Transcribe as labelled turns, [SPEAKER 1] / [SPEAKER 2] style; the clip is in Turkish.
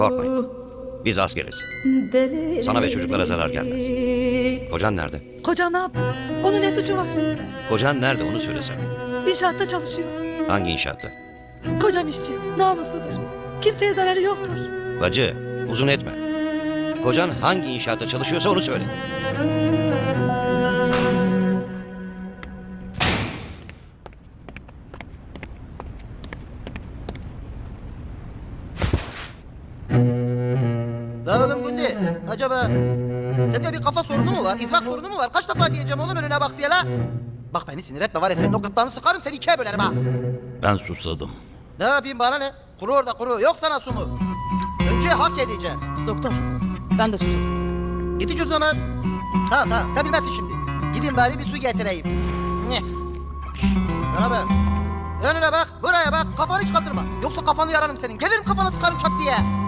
[SPEAKER 1] Korkmayın. Biz askeriz. Sana ve çocuklara zarar gelmez. Kocan nerede?
[SPEAKER 2] Kocam ne yaptı? Onun ne suçu var?
[SPEAKER 1] Kocan nerede onu söylesene.
[SPEAKER 2] İnşaatta çalışıyor.
[SPEAKER 1] Hangi inşaatta?
[SPEAKER 2] Kocam işçi, namusludur. Kimseye zararı yoktur.
[SPEAKER 1] Bacı, uzun etme. Kocan hangi inşaatta çalışıyorsa onu söyle.
[SPEAKER 3] La oğlum Gündi, acaba sende bir kafa sorunu mu var, idrak sorunu mu var? Kaç defa diyeceğim oğlum önüne bak diye la? Bak beni sinir etme var ya, senin o gırtlağını sıkarım, seni ikiye bölerim ha.
[SPEAKER 4] Ben susadım.
[SPEAKER 3] Ne yapayım, bana ne? Kuru orada kuru, yok sana su mu? Önce hak edeceğim.
[SPEAKER 5] Doktor, ben de susadım.
[SPEAKER 3] Git iç o zaman. Tamam, sen bilmezsin şimdi. Gidin bari bir su getireyim. Nyeh. Şşş, bana bak. Önüne bak, buraya bak, kafanı hiç kaldırma. Yoksa kafanı yararım senin, gelirim kafana sıkarım çat diye.